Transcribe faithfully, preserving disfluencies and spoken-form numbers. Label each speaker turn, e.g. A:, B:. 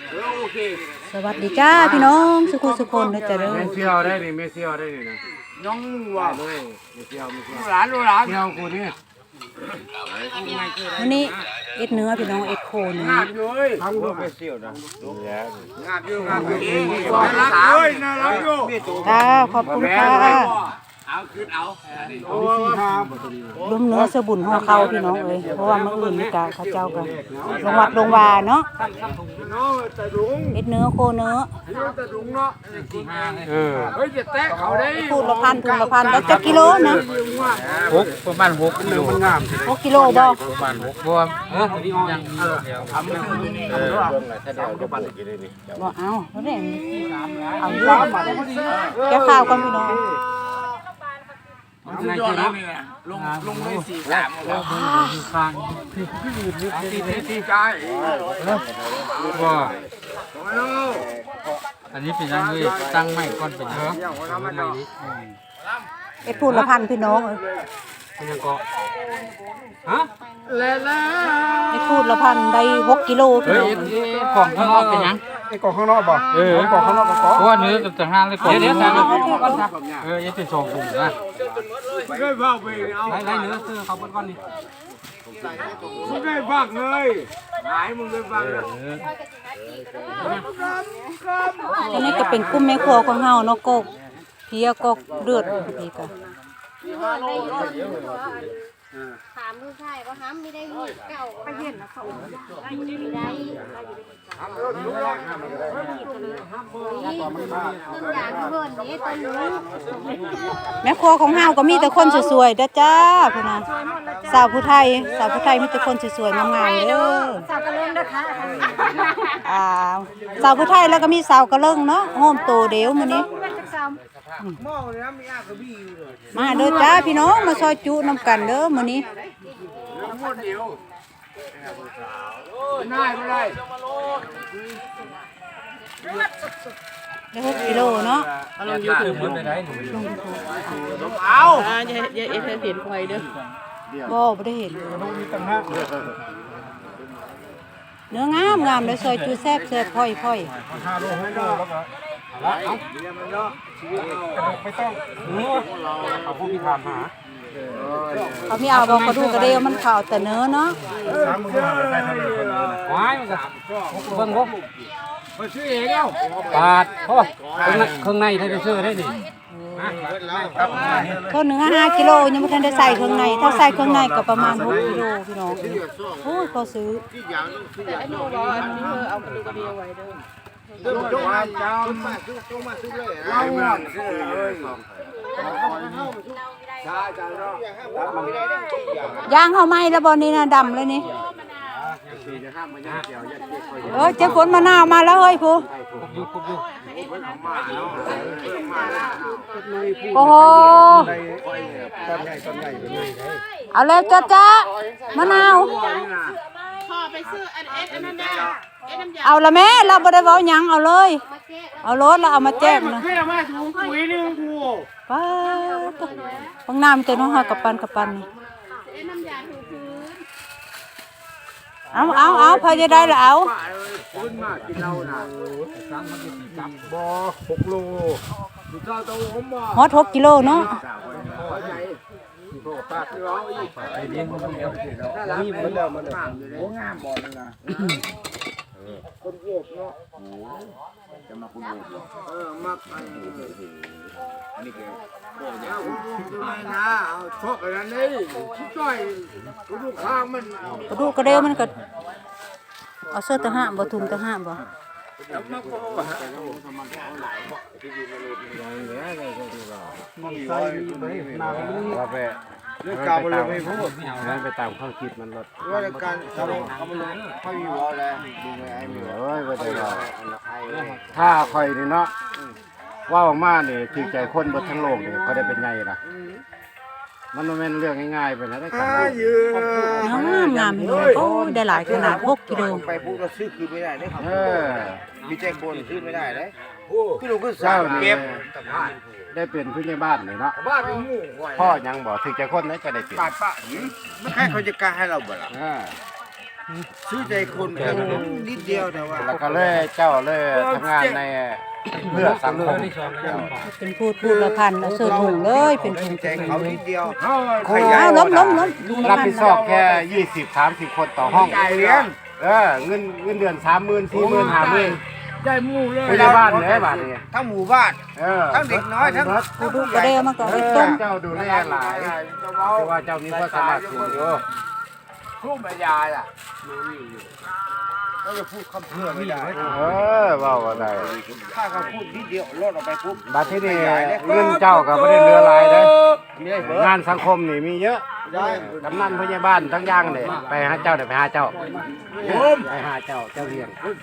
A: โอเค
B: สวัสดีจ้าพี่น้องสุขุสุคนนะจ๊ะเด้อ
C: เมเซียวได้นี่เมเซียวได้นี่นะ
A: น้องว่า
C: เลยเมเซียวเมเซียว
A: หลานหลาน
C: เซียวกูนี่
B: วันนี้เอ็ดเนื้อพี่น้องเอ็ดโคเนื้อง
A: าบอยู่เอ้ย
C: ทำกูเมเซียวนะดูแล
A: งาบอยู่งาบอยู่น่ารักเลยน่ารักอยู่
B: จ้าขอบคุณค่ะ
A: เอาขึ้นเอา
C: โอ้ยครับ
B: ล้มเนื้อสบุญห่อเข้าพี่น้องเอ้ยเพราะว่าเมื่ออื่นนี่กะเขาเจ้ากันลงวัดลงวาเนาะ
A: น้องตะดุง
B: เอ็ดเนื้อโคเนื้อ
A: ตะดุงเนาะ
C: เออ
A: เฮ้ยจะแตะเขาได้
B: พูดละพันทุนละพันแล้วจะกิโลนะ
C: หกประมาณหกกิโลมันงาม
B: หกกิโลบ่
C: ประมาณหกเพราะว่าเออยังมีทำเออเรื่องอะไรถ้าเดี๋ยวจะปั่นกินได้นี่
B: บ่เอาเขาได้เอาอยู่แก้ข้าวก่อนพี่น้อง
A: สุดยอดแล้วนี่นะลงลงเลยสี่สามแล้ว
C: อยู่ข้างที่ที่ยืนนี่
A: ตีตีตีใจ
C: ว่า
A: มาโน่
C: อันนี้เป็นยังไงตั้งไม่ก้อนเป็นยังไง
A: อย่างวันนั้นมันเนาะ
B: เอ็ดพูดละพันพี่น้องเอ้ย
C: เป็นยังก็ฮะ
A: แล้วแล้ว
B: เอ็ดพูดละพันได้หกกิโลพี่
C: เฮ้ย
B: น้อง
C: กล่องข้างนอกเป็นยัง
D: ไอ้กล่องข้างนอกบ่
C: เออกล่องข้างนอกก็เพราะว่าเนื้อกับแต่ห้าเลยกล่องเดี๋ยวแต่เออยังเป็นสองกลุ่มนะ
A: ไม่ได้บ้าไปเอา
C: ไล่ไล่เนื้อซื้อเขาเปิ้ลก้อนนี่
A: ไม่ได้บ้าเลยหายมึงได้บ้าเลย
B: ตอนนี้ก็เป็นกุ้มแม่ครัวของเฮาเนาะกกเพียกกเลือดพี่ก็
E: ถามลูกชายว่าห้ามไม่ได้มีเก่าไปเห็นนะเขาไม่ได้ต้นยางเพิ่นนี่ต้นนู้น
B: แม่ครัวของเฮาก็มีแต่คนสวยๆเด้อจ้าพุ่นน่ะสาวผู้ไทยสาวผู้ไทยมีแต่คนสวยๆงามๆเด้อ
E: สาวกระเล่นนะคะ
B: อ่าสาวผู้ไทยแล้วก็มีสาวกระเลิงเนาะโฮมโตเดียวมื้อนี้
A: หม้อเนี่ยมีอากระบี่เลย
B: มาเด้อจ้าพี่น้องมาซอยจุนำกันเด้อมื้อนี้
A: หมดเดียวง่ายไม่ได้
B: ได้หกกิโลเนาะ
C: เราอยู่ถึงมันไปไหนหนู
A: เอา
B: อ่าอย่าอย่าเอ็ดเห็นไฟเด้อบ่บ่ได้เห็นเนื้องามงามเลยซอยจุแซ่บแซ่บพ่อยพ่อย
D: ห้าโลหกโลแล้วก็เอาเอากระดูกไม่ต้องเอาผู้พิธามหา
B: เขามีเอาบ่กระดูกกระเดียวมันขาวแต่เนื้อเนาะ
D: สามมือใส่ทะเลคนนี้นะ
C: ว้ายมันจะเบิ่งบ่
A: ไปซื้อเองเอ้า
C: ปาดโอ้เครื่องในถ้าจะซื้อได้นี่
B: ก็เนื้อห้ากิโลยังบ่ทันได้ใส่เครื่องในถ้าใส่เครื่องในก็ประมาณหกกิโลพี่น้องโอ้ยพอซื้อ
A: จงมาจำมาซื้อจงมาซื้อเลยเราหมดซื้อเลยใช่จ้าเนาะ
B: ย่างเฮาไหม้แล้วบ่นี่นะดำเลยนี่เออเจ้าฝนมะนาวมาแล้วเฮ้ยผู้
C: อยู่คุบอยู่
B: โอ้โห
D: ต้นใหญ่ต้นใหญ่เป็นไงได้
B: เอาแล้วจ้าจ้ามะนาว
F: พ่อไปซื้ออันเอสอันนั้นได้เอสน้ำยา
B: เอาละแม่เราบ่ได้เว้าหยังเอาเลยเอารถแล้วเอามาแจ้งนะ
A: เพื่อมาถุงปุ๋ยนึงกู
B: ป้าดบางน้ำเต็มห้องหากับปันกับปันนี่
F: เอสน้ำยาถูพื้น
B: เอาเอาเอาพอจะได้แล้วเอา
A: ขึ้นมากินเราน่ะ
D: บ่หกโล
A: ดูเจ้าตัวผมบ่
B: ฮอดหกกิโลเนาะ
C: ไอ้เลี้ยงมันเดียว
A: นี่มันแล้วมันงามอยู่เลยงามบ่นึงนะคนโยกเนาะจะมาคนโยกเออมักอันนี้อันนี้คือโอ้ยเอาดูเลยนะเอาชอบอันนั้นนี่ช่วยดูข้างมัน
B: กระดูกกระเดียวมันก็เอาเสื้อตะห้าบ่ถุงตะห้าบ่
D: มันใส่เลยน้ำมัน
C: ว่าไป
A: เรื่องการบริโภคไม่พูด
C: นั่นไปตามข้าวคิดมันลด
A: ว่าการทำเอาบริโภคเขาอยู่ว่าแล้วดูไงไอ้
C: เอ้ยว่าแต่ว่าถ้าคอยนี่เนาะว่าออกมาเนี่ยถือใจคนบนทั้งโลกเนี่ยเขาได้เป็นไงล่ะมันไม่เป็นเรื่องง่ายๆไปนะได้กัน
A: ยืน
B: งามงามพี่น้องโอ้ยได้หลายขนาดหกกิโล
A: ไปพูดเราซื้อคืนไม่ได้เลยครับ
C: เออ
A: มีใจคนซื้อไม่ได้เลยพี่ลุงก็
C: เจ้า
A: สั่ง
C: นี่
A: เก็บ
C: ได้เป็นผู้ใหญ่บ้านเลยเนาะ
A: บ้านเป็นหมู่
C: พ่อยังบอกถือใจคนนั้นจะได้เป็น
A: บาดปะไม่ใครเขาจะกล้าให้เราบ่ล่ะ
C: เออ
A: ชื่อใจคนแค่นิดเดียวแต่ว่า
C: แล้วก็เลยเจ้าเลยทำงานในเพื่อสังคม
B: เป็นพูดพูดละพันเอาเสื้อถุงเลยเป็นถุง
A: ใจเขานิดเดียว
C: ครู
B: อ้าวล้มล้มล้มลุงละ
C: รับ
B: พัน
C: ผิดชอบแค่ยี่สิบสามสิบคนต่อห้อง
A: ใจเลี้ยง
C: เออเงินเงินเดือนสามหมื่นสี่หมื่นห้าหมื่น
A: ใจหมู่เลย
C: พยาบาลเนี่ยบาทนี่
A: ทั้งหมู่บ้าน
C: เออ
A: ทั้งเด็กน้อยทั้ง
B: กูดูกระเดียวมาก่อน
C: เอ
B: ไอ้
C: อ
B: ต้ม
C: เจ้าดูแลหลายเพราะว่าเจ้ามีความสามารถสูงอยู่
A: พูดไม่ยายอ่ะก็จะพูดคำเพื่อไม่ได้
C: เออเว่าว่าได้
A: ถ้าเขาพูดนิดเดียวลดออกไปปุ๊บ
C: บัดที่นี่เงินเจ้าก็ไม่ได้เหลือหลายเด้งานสังคมนี่มีเยอะกำนันพยาบาลทั้งอย่างเลยไปหาเจ้าเดี๋ยวไปหาเจ้าไปหาเจ้าเจ้าเลี้ยง